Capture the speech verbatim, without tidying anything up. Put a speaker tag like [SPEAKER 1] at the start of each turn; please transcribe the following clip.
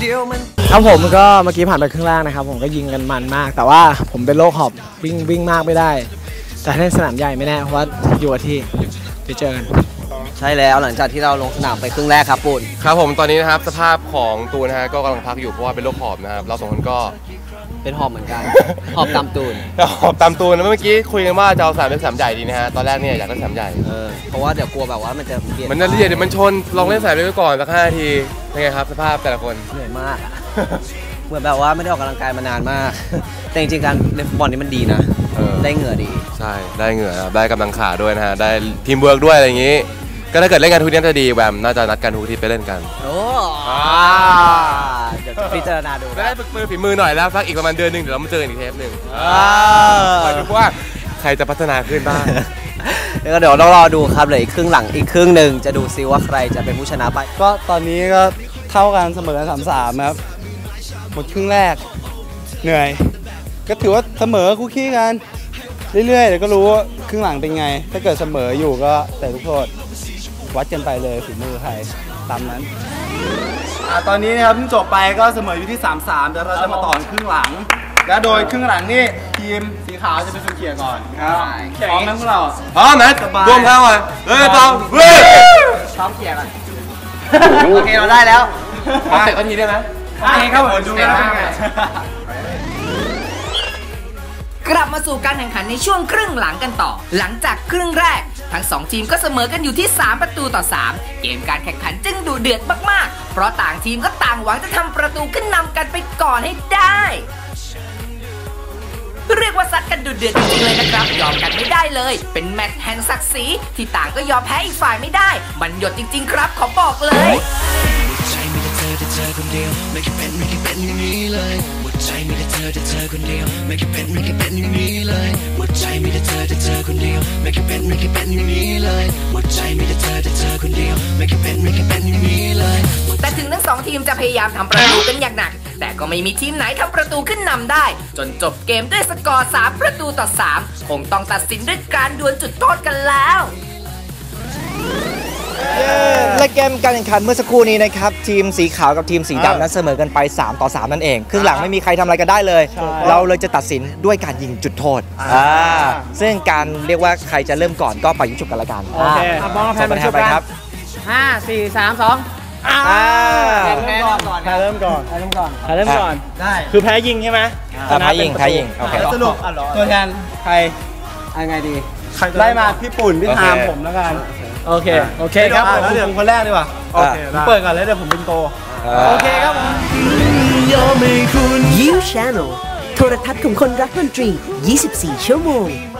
[SPEAKER 1] ครับผมก็เมื่อกี้ผ่านไปครึ่งแรกนะครับผมก็ยิงกันมันมากแต่ว่าผมเป็นโรคหอบวิ่งวิ่งมากไม่ได้แต่ในสนามใหญ่ไม่แน่เพราะว่าอยู่ที่ไปเจอกัน
[SPEAKER 2] ใช่แล้วหลังจากที่เราลงสนามไปครึ่งแรกครับปูน
[SPEAKER 3] ครับผมตอนนี้นะครับสภาพของตูนนะฮะก็กำลังพักอยู่เพราะว่าเป็นโรคหอบนะครับเราสองคนก็
[SPEAKER 2] เป็นหอบเหมือนกันหอบตามตูน
[SPEAKER 3] หอบตามตูนเมื่อกี้คุยกันว่าจะเอาสนามเป็นสนามใหญ่ดีนะฮะตอนแรกเนี่ยอยากเล่นสนามใหญ่
[SPEAKER 2] เออเพราะว่าเดี๋ยวกลัวแบบว่ามันจะเปลี่ยน
[SPEAKER 3] มันจะเรียดเดี๋ยวมันชนลองเล่นสนามเล็กก่อนสักห้านาทีเป็นไงครับสภาพแต่ละคน
[SPEAKER 2] เหนื่อยมากเหมือนแบบว่าไม่ได้ออกกำลังกายมานานมากแต่จริงๆการเล่นฟุตบอลนี่มันดีนะได้เหงื่อดี
[SPEAKER 3] ใช่ได้เหงื่อได้กำลังขาด้วยนะฮะได้ทีมเวิร์กด้วยอะไรอย่างนี้ก็ถ้าเกิดเล่นกันทุกทีน่าจะดีแบบน่าจะนัดกันทุกทีไปเล่นกัน
[SPEAKER 2] โอ้เดี๋ยวพิจารณาดู
[SPEAKER 3] ได้ฝึกมือฝีมือหน่อยแล้วสักอีกประมาณเดือนหนึ่งเดี๋ยวเรามาเจออีกเทปหนึ่งคอยดูว่าใครจะพัฒนาขึ้นบ้าง
[SPEAKER 2] แล้วก็เดี๋ยวต้องรอดูครับเหลืออีกครึ่งหลังอีกครึ่งหนึ่งจะดูซิว่าใครจะเป็นผู้ชนะไป
[SPEAKER 4] ก็ตอนนี้ก็เท่ากันเสมอสามสามครับหมดครึ่งแรกเหนื่อยก็ถือว่าเสมอคู่ขี้กันเรื่อยๆเดี๋ยวก็รู้ว่าครึ่งหลังเป็นไงถ้าเกิดเสมออยู่ก็แต่ลูกโทษวัดกันไปเลยฝีมือใครตามนั้นตอนนี้นะครับเพิ่งจบไปก็เสมออยู่ที่ สามสาม แต่เราจะมาต่อครึ่งหลังและโดยครึ่งหลังนี่ทีมสีขาวจะเป็นคนเขี่ยก่อนครับพร้อมไหมพวกเรา
[SPEAKER 3] พร้อมนะรวมทั้งวันเฮ้ยพร้อมเฮ้ย
[SPEAKER 2] พร้อมเขี่ยกันโอเคเราได้แล้ว
[SPEAKER 3] มาเตะกันทีได้ไหม
[SPEAKER 2] โอเคครับผมดูกัน
[SPEAKER 5] กลับมาสู่การแข่งขันในช่วงครึ่งหลังกันต่อหลังจากครึ่งแรกทั้งสองทีมก็เสมอกันอยู่ที่สามประตูต่อสามเกมการแข่งขันจึงดุเดือดมากๆเพราะต่างทีมก็ต่างหวังจะทำประตูขึ้นนำกันไปก่อนให้ได้เรียกว่าซัดกันดุเดือดจริงๆเลยนะครับยอมกันไม่ได้เลยเป็นแมตช์แห่งศักดิ์ศรีที่ต่างก็ยอมแพ้อีกฝ่ายไม่ได้มันหยดจริงๆครับขอบอกเลยเธอคนเดียวไม่คิดเป็นไม่คิดเป็นอย่างนี้เลยหัวใจมีแต่เธอแต่เธอคนเดียวไม่คิดเป็นไม่คิดเป็นอย่างนี้เลยหัวใจมีแต่เธอแต่เธอคนเดียวไม่คิดเป็นไม่คิดเป็นอย่างนี้เลยหัวใจมีแต่เธอแต่เธอคนเดียวไม่คิดเป็นไม่คิดเป็นอย่างนี้เลยแต่ถึงทั้งสองทีมจะพยายามทำประตูกันอย่างหนักแต่ก็ไม่มีทีมไหนทำประตูขึ้นนำได้จนจบเกมด้วยสกอร์สามประตูต่อสามคงต้องตัดสินด้วยการดวลจุดโทษกันแล้ว
[SPEAKER 6] และเกมการแข่งขันเมื่อสักครู่นี้นะครับทีมสีขาวกับทีมสีดำนั้นเสมอกันไปสามต่อสามนั่นเองครึ่งหลังไม่มีใครทำอะไรกันได้เลยเราเลยจะตัดสินด้วยการยิงจุดโทษซึ่งการเรียกว่าใครจะเริ่มก่อนก็ไปยุ่งฉุกกันละกัน
[SPEAKER 1] โอเคมองแผนไปครับห้าสี่สามสอง
[SPEAKER 2] แพ้เริ่มก่อน
[SPEAKER 1] แพ้เริ่มก่อนแพ้เริ่มก่อนแพ้เริ่มก่อนได้คือแพ้ยิงใช่ไหม
[SPEAKER 6] แพ้ยิงแพ้ยิงโอเค
[SPEAKER 4] สรุปตัวแทนใคร
[SPEAKER 2] ยังไงดี
[SPEAKER 4] ไล่มาพี่ปุ่นพี่ทามผมแล้วกัน
[SPEAKER 1] โอเคโอเคครับผม
[SPEAKER 4] ผมคนแรกดีกว่าโอเคเปิดก่อนเลยเดี๋ยวผมเป็นโต
[SPEAKER 1] โอเคครับผม
[SPEAKER 7] You Channel โทรทัศน์ของคนรักดนตรียี่สิบสี่ชั่วโมง